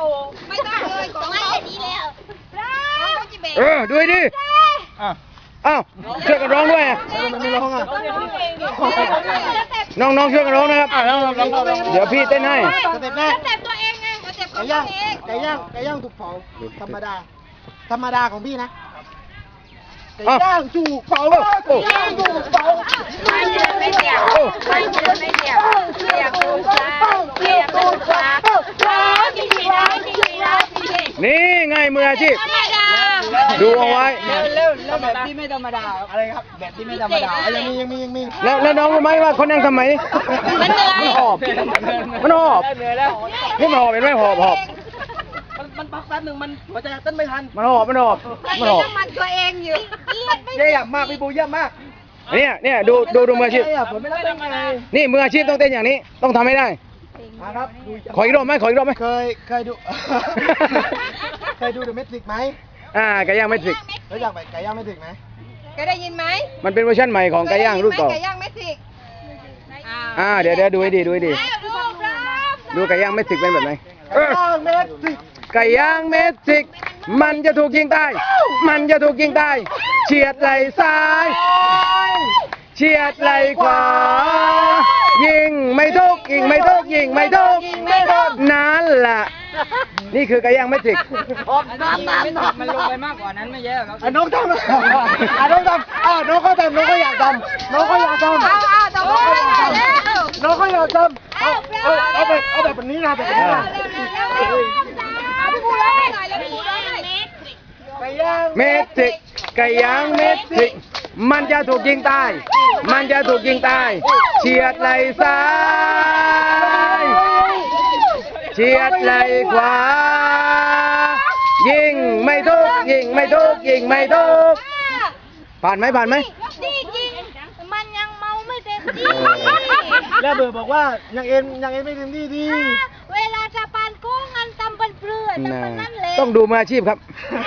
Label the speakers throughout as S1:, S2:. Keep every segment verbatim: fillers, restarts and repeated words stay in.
S1: ไม่ได้เลยของไม่ดีแล้ว
S2: เออดูดิอ้าวช่วยกันร้องด้วยมันไม่ร้องอ่ะน้องๆช่วยกันร้องนะครับเดี๋ยวพี่เต้นให้
S1: สเต็ปแรกสเต็ปตัวเองไงสเต็ปของตัวเอง
S3: ไก่ย่างไก่ย่างถูกเผาธรรมดาธรรมดาของพี่นะไก่ย่างถูกเผาไก่ย่างถูกเผา
S1: ไม่เจ็บไม่เจ็บไม่เจ็บไม่เจ็บเสียบตูดฟ้าเสียบตูดฟ้าร้องจริงจริงร้องจริงจริงร้องจริงจริง
S2: นี่ไงมืออาชีพ
S1: ธรรมดา
S2: ดูเอาไว้
S3: เร็วๆแล้วแบบที่ไม่ธรรมดาอะไรครับแบบที่ไม่ธรรมดายังมียังมียังมี
S2: แล้วแล้วน้องรู้ไหมว่าเขานั่งทำไม
S1: มันเหนื่อย
S2: มันหอบมันหอบนี่มันหอบเป็นไหมหอบหอบ
S3: มันมันพักแป๊บหนึ่งมันหัวใจเต้นไม่ทัน
S2: มันหอบมันหอบมันหอบ
S1: มันตัวเองอยู่
S3: เยี่ยมมากพี่ปูเยี่ยมมาก
S2: เนี่ยเนี่ยดูดูดูมืออาชีพ
S3: ผมไม่ได้ทำอะไร
S2: นี่มืออาชีพต้องเต้นอย่างนี้ต้องทำให้ได้
S3: ครับ
S2: ขออีกรอบไหมขออีกรอบไหม
S3: เคยเคยดูเคยดูเดอะเมทริกไหม
S2: อ่าไก่ย่างเมทริก
S3: รู้จักไก่ย่างเมทริกไหม
S1: เคยได้ยินไหม
S2: มันเป็นเวอร์ชันใหม่ของไก่ย่างรุ่นเก่า
S1: ไก่ย่างเมทริก
S2: อ่าเดี๋ยวเดี๋ยวดูให้ดีดูให้ดีดูไก่ย่างเมทริกเป็นแบบไหนไก่ย่างเมทริกมันจะถูกยิงตายมันจะถูกยิงตายเฉียดไหล่ซ้ายเฉียดไหล่ขวายิงไม่ทุกยิงไม่ทุกยิงไม่ทุกนั่นแหละนี่คือไก่ย่างเมทริก
S3: มันลงไปมากกว่านั้นไม่เยอะครับน้องทำอ่ะน้องทำอ่ะน้องเขาทำน้องก็อยากทำน้องก็อยากทำน้องก็อยากทำเอาเอาเอาแบบเอาแบบนี้นะแบบนี้นะไก่ย่าง
S2: เมทริกไก่ย่างเมทริกมันจะถูกยิงตายมันจะถูกยิงตายเฉียดไหล่ซ้ายเฉียดไหล่ขวายิงไม่ทุกยิงไม่ทุกยิงไม่ทุกผ่านไหมผ่านไหม
S1: จริงมันยังเมาไม่เต็มที่
S3: แล้วเบอร์บอกว่ายังเอ็นยังเอ็นไม่เต็มที่ดี
S1: เวลาจะปานกุ้งมันตำเป็นเปลือกตำเป็นนั่นเลย
S2: ต้องดูมืออาชีพครับ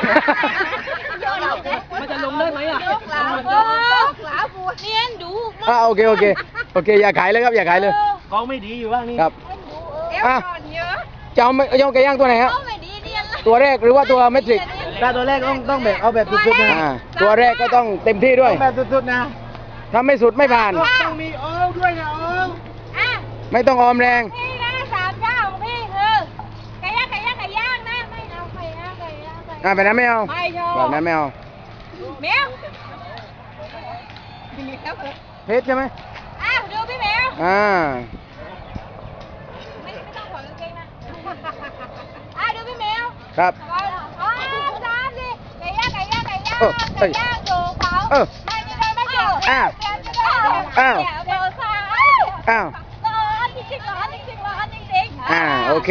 S3: มันจะลงได้ไหมอ่ะ
S1: ยกหลาบกหลาบวเนียนดู
S2: อ่าโอเคโอเคโอเคอย่าขายเลยครับอย่าขายเลย
S3: กองไม่ดีอยู่บ้างนี่
S2: ครับ
S1: อ่ะ
S2: จะเอาจะเอาไก่ย่างตัวไหนครับตัวแรกหรือว่าตัวเมทริก
S3: ถ้าตัวแรกต้องต้องแบบเอาแบบสุดๆนะ
S2: ตัวแรกก็ต้องเต็มที่ด้วย
S3: แบบสุดๆนะ
S2: ถ้าไม่สุดไม่ผ่าน
S3: ต้องมีโอ้ด้วยนะโอ้
S2: ไม่ต้องออมแรง
S1: พี่นะสามเจ้าของพี่คือไก่ย่างไก่ย่างไก่ย่างนะไม่เอาไก่ย่างไก่ย่างไก่
S2: อ่าแบบนั้นไม่เอา
S1: ไม่ชอบ
S2: แบบนั้นไม่เอา
S1: แมว
S2: เพชรใช่ไหม
S1: อ้าวดูพี่แมว
S2: อ่า
S1: ไม่ไม่ต้องขอกางเกงนะอ่ะดูพี่แมว
S2: ครับ
S1: อ๋อสามสิไก่ย่างไก่ย่างไก่ย่างไก่ย่างถูกเผาไม่ไม่ได้ไม่เกี่ยว
S2: อ้าวอ้าวอ้าว
S1: ร้อนจริงๆร้อนจริงๆร้อนจริงๆ
S2: อ่าโอเค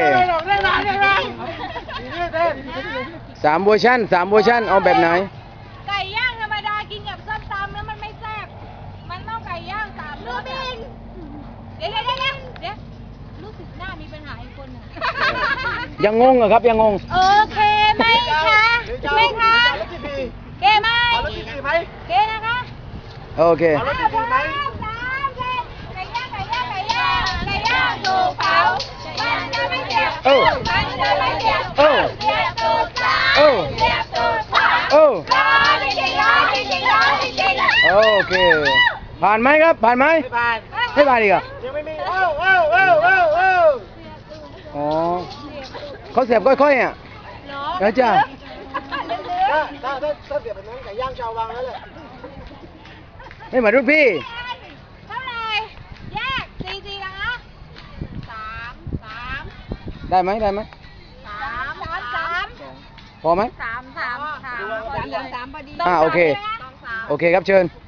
S2: สามเวอร์ชันสามเวอร์ชันเอาแบบไหน
S1: ไก่ย่างธรรมดากินกับส้มตำแล้วมันไม่แซ่บมันต้องไก่ย่างสามรสเดี๋ยวเดี๋ยวเดี๋ยวเดี๋ยวรู้สึกหน้ามีปัญหาอีกคนหนึ่ง
S2: ยังงงเหรอครับยังงง
S1: โอเคไหมคะไหมคะเกไหมเกนะคะ
S2: โอเค
S1: สามเส้นไก่ย่างไก่ย่างไก่ย่างไก่ย่างถูกเผามันจะไม่เจ็บมันจะไม่เจ็บเจ็บตูดซ้ายเจ็บตูดขวาร้อนจริงๆร้อนจริงๆร้อนจริงๆ
S2: โอเคผ่านไหมครับผ่านไหม
S3: ไม่ผ่าน
S2: ไม่ผ่านอีกเหรอ
S3: ยังไม่มีเอ้าเอ้าเอ้าเอ้าเอ้า
S2: อ๋อเขาเสียบค่อยๆอ่ะแล้วจ้า
S3: ถ้าถ้าถ้าเสียบแบบนั้นไก่ย่างชาววังนั่นแหละ
S2: ไม่เหมือนรุ่นพี่
S1: เท่าไหร่แยกสี่สี่นะคะสามสาม
S2: ได้ไหมได้ไหม
S1: สามสามสาม
S2: พอไหม
S1: สามสามสามสามสามพอดี
S2: อ่าโอเคโอเคครับเชิญ